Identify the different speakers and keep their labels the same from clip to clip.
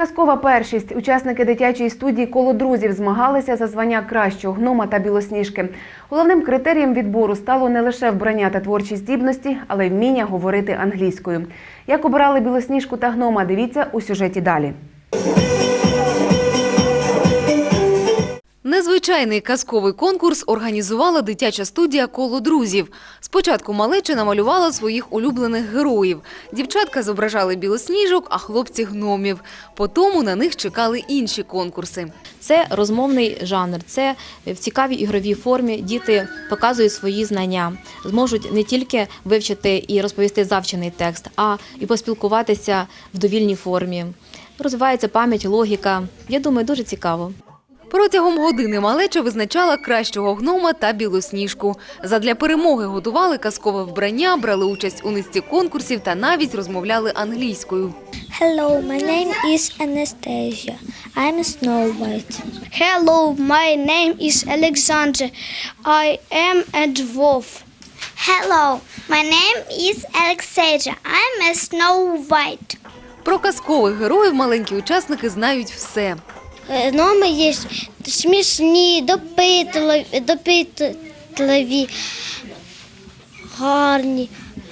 Speaker 1: Казкова першість. Учасники дитячої студії «Коло друзів» змагалися за звання кращого гнома та білосніжки. Головним критерієм відбору стало не лише вбрання та творчі здібності, але й вміння говорити англійською. Як обирали білосніжку та гнома, дивіться у сюжеті далі.
Speaker 2: Незвичайний казковий конкурс організувала дитяча студія «Коло друзів». Спочатку малеча намалювала своїх улюблених героїв. Дівчатка зображали білосніжок, а хлопці – гномів. Потім на них чекали інші конкурси.
Speaker 3: Це розмовний жанр, це в цікавій ігровій формі діти показують свої знання, зможуть не тільки вивчити і розповісти завчений текст, а і поспілкуватися в довільній формі. Розвивається пам'ять, логіка. Я думаю, дуже цікаво.
Speaker 2: Протягом години малеча визначала кращого гнома та білосніжку. Задля перемоги готували казкове вбрання, брали участь у низці конкурсів та навіть розмовляли англійською.
Speaker 4: Hello, my name is Anastasia. I'm Snow White. Hello, my name is Alexander. I am a dwarf. Hello, my name is Alexandra. I'm a Snow White.
Speaker 2: Про казкових героїв маленькі учасники знають все.
Speaker 4: Гноми є смішні, допитливі, гарні,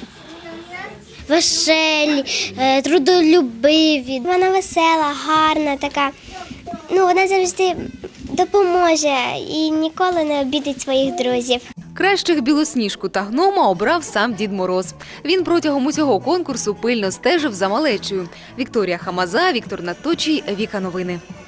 Speaker 4: веселі, трудолюбиві. Вона весела, гарна така. Вона завжди допоможе і ніколи не обідить своїх друзів.
Speaker 2: Кращих білосніжку та гнома обрав сам Дід Мороз. Він протягом усього конкурсу пильно стежив за малечею. Вікторія Хамаза, Віктор Надточій, Віка Новини.